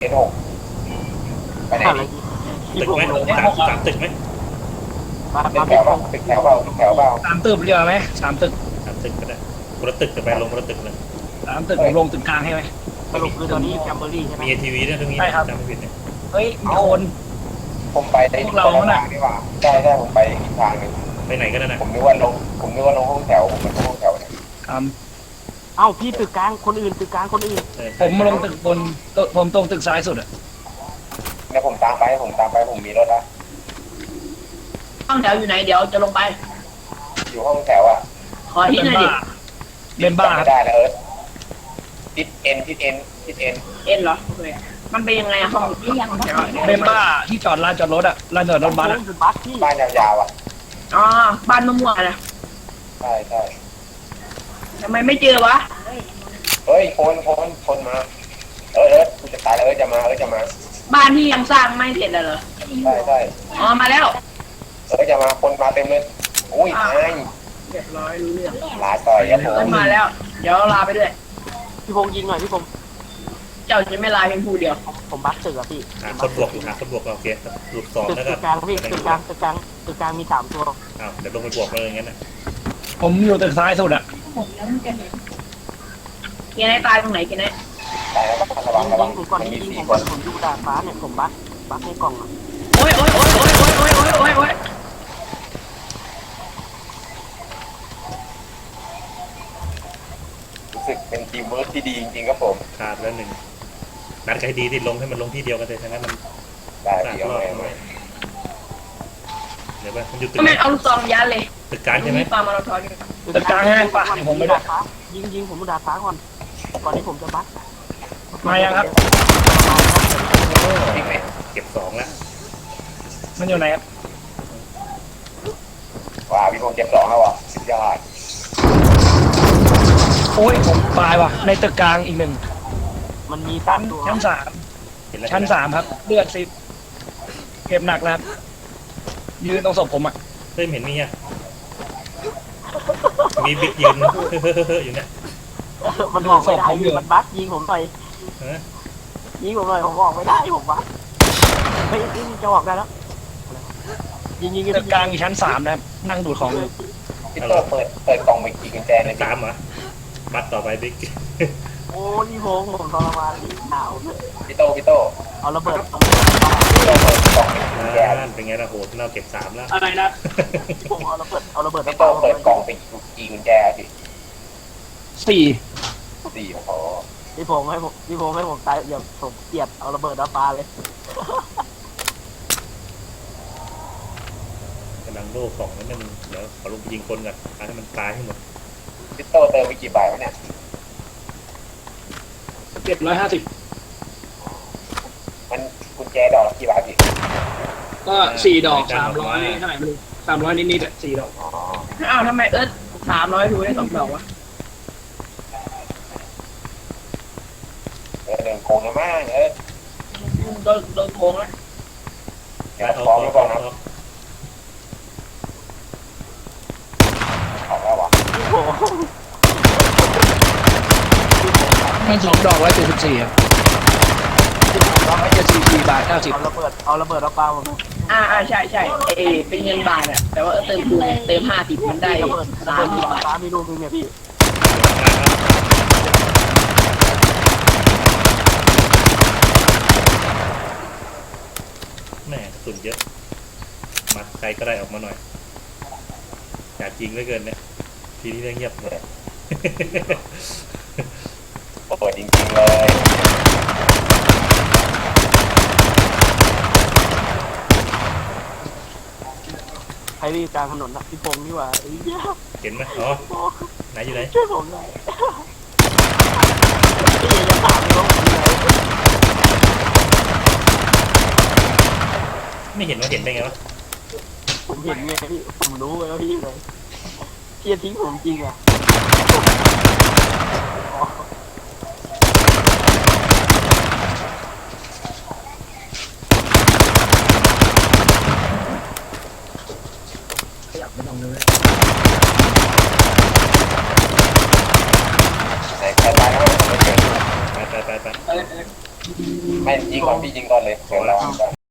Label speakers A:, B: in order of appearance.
A: S6ไปไหนดี
B: ตึกไหมสามตึกไหม
A: ตึกแถวเปล่าตึกแถวเปล่าตึกแถวเปล่า
C: สามตึกเรียกไหมสามตึก
B: สามตึกก็ได้คนละตึกจะไปลงคนละตึกเลย
C: สามตึกผมลงตึกกลางให้ไหม
D: สรุปคือตอนนี้แคมเบอรี่ใช่ไหม
B: มีทีวีด้วยตรงนี้
C: ใช่ครับ
B: จำไม่ผิดเนี่ย
C: เฮ้ยมีคน
A: ผมไปได้
C: พวกเรา
A: คนละ
C: น่ะ
A: ทางดีกว่าใช่ผมไปอีกทางหนึ่ง
B: ไปไหนก็ได้นะ
A: ผมนึกว่าลงห้องแถวผมเป็นห้องแถวเนี่ย
C: ครับ
D: เอ้าพี่ตึกกลางคนอื่นตึกกลางคนอื่น
C: ผมมาลงตึกบนผมตรงตึกซ้ายสุดอะ
A: เนี่ยผมตามไปผมมีรถละ
E: ห้องแถวอยู่ไหนเดี๋ยวจะลงไป
A: อยู่ห้องแถวอ่ะ
E: ขอที่หน่อยดิ
C: เบมบ้าค
A: ไม่
C: รับ
A: ได้แล้วทิศเอ็น
E: เอ็นเหรอโอเคมันเป็นยังไงอะห้องที่ยังเดี๋ยว
C: เบมบ้าที่จอดลานจอดรถอะลานจอดรถบัสอะ
D: คือบัสพี่
A: บ้านยาวๆอ่ะ
E: อ๋อบ้านมะม่วงอะนะ
A: ใช่
E: ทำไมไม่เจอวะ
A: เฮ้ยคนมากูจะตายแล้วจะมา
E: บ้านที่ยังสร้างไม่เสร็จเลยเหรอ
A: ใช่
E: อ๋อมาแล้ว
A: จะมาคนมาเต็มเลยอุ้ยตาย
E: เรียบร้อยรู้เรื่อง
A: ลาต่อยครับผม
E: เอิ้นมาแล้ว เดี๋ยวลาไปด้วย
D: พี่พงษ์ยิงหน่อยพี่พงษ์
E: เจ้าจะไม่ลาเพียงผู้เดียว
D: ผมบัสตึกอะพี่
B: หาคนบวกอยู่หาคนบวกโอเคหลุดสอง
D: ตึก
B: แล้วก็
D: กลางพี่ตึกกลางมี3 ตัว
B: อ้าวเดี๋ยวลงไปบวกเลยอย่างงั้นนะ
C: ผมอยู่ตึกซ้ายสุดอะ
E: เกียร์ไหนตายตรงไหนเกียร์ไหน
A: ตายแล้วระวัง
D: ผมก่อน
A: มัน
D: ที่
A: มี
D: ยิง
A: 4
D: ผม
A: คน
D: ผมอยู่ดาดฟ้าเนี่ยผมบัสในกล่องอะ
E: โอ้ยโอ้ย
A: รู้สึกเป็นทีมเวิร์คที่ดีจริงๆครับผม
B: ขาดแล้วหนึ่งนัดใครดีที่ลงให้มันลงที่เดียวกันเลยทั้งนั้นมัน
A: ได้เดี๋ยวไม่
B: เดี๋ยวไปมันอยู่ตึก
E: ก็
B: ไหน
E: ไม่เอาลูกซองยัดเลย
B: ตึกกลางใช่ไหม
E: ปามาราธอนอยู่
C: ตึกกลางให้ป่ะเดี๋ยวผมไปด้วย
D: ยิงผมอยู่ดาดฟ้าก่อนที่ผมจะบัส
C: มายังครับ
A: จริงไหม
B: เก็บสองแล้ว
C: มันอยู่ไหนครับ
A: ว้าพี่พงษ์เจ็บ2แล้วอ่ะสุดยอด
C: โอ้ยผมตายว่ะในตึกกลางอีกหนึ่ง
D: มันมี
C: ชั้น
D: 3 ตัว
C: ชั้นสาม
B: เห็นแล้ว
C: ชั้น3ครับเลือดซิบเก็บหนักแล้วครับยืนตรงศพผมอะ
B: เฮ้ยเห็นมีอ่ะมีบิ๊กยืนอยู่เนี่ย
D: มันออกไม่ได้มันบัสยิงผมหน่อย
B: เออ
D: ยิงผมหน่อยผมออกไม่ได้ผมบัสเฮ้ยจะออกได้แล้วยิง
C: ตึกกลางอยู่ชั้น3นะครับนั่งดูดของอยู่
A: พี่โต้เปิดกล่องไปกี่กุญแจเลย
B: ตามเหรอบัตรต่อไปบิ๊ก
D: โอ้พี่พงษ์ผมทรมานหนาว
A: พี่โต้
D: เอาระเบิด
A: พี่โต้เปิดกล่องไปกี่กุญแจ
B: เป็นไงล่ะโหเราเก็บสามแล้ว
C: อะไรนะ
D: ผมเอาระเบิด
A: พี่โต้เปิดกล่องไปกี่กุญแจสิ
C: 4
A: 4โอ้โห
D: พี่พงษ์ให้ผมตายเดี๋ยวผมเกลียดเอาระเบิดน้ำปลาเลย
B: กำลังโล่สองนั่นนึงเดี๋ยวขอลงไปยิงคนก่อนให้มันตายให้หมด
A: พี่โต้เติมไปกี่ใบวะเนี่ย
C: 750
A: มันกุญแจดอกละกี่บาทสิ
C: ก็4 ดอก300เท่าไหร่ไม่รู้300นิดๆอะ4 ดอก
A: อ๋อ
E: อ้าวทำไม300ดูได้2 ดอกวะ
A: เดินโกงนะมาก
E: โดนโกงแล้ว
A: เดี๋ยวฟ้องแล้วก่อนนะออกแล้ววะ
D: โอ้โห
C: มัน2 ดอก174ครับดอก174 บาท 90
D: เอาระเบิดน้ำปลาผม
E: ใช่เป็นเงินบาทอะแต่ว่าเติมคูณเติม50มันได้
D: ระเบิด
E: 30 บาท
D: น้ำปลามีลูกนึงเนี่ยพี่
B: แม่สุดเยอะมาใครก็ได้ออกมาหน่อยอยากจริงเหลือเกินเนี่ยทีนี้เงียบเลย
A: เปิดจริงๆเลย
D: ใครวิ่งกลางถนนนะพี่พงษ์นี่หว่าไอ้เหี้ย
B: เห็นไหมอ๋อไหนอยู่ไหน
D: ช่วยผมหน่อยพี่จะถามเลยว่าผมอยู่ไหน
B: ไม่เห็นว่าเห็นได้ไงวะ
D: ผมเห็นไงพี่ผมรู้ไงว่าพี่อยู่ไหนพี่จะทิ้งผมจริงอ่ะ
C: ขยับไม่ต้องเลย
A: ไหนใครตายแล้วไม่เจอ
B: ไป
A: ไม่ยิงก่อนพี่ยิงก่อนเลยเดี๋ยวรอยิงก่อน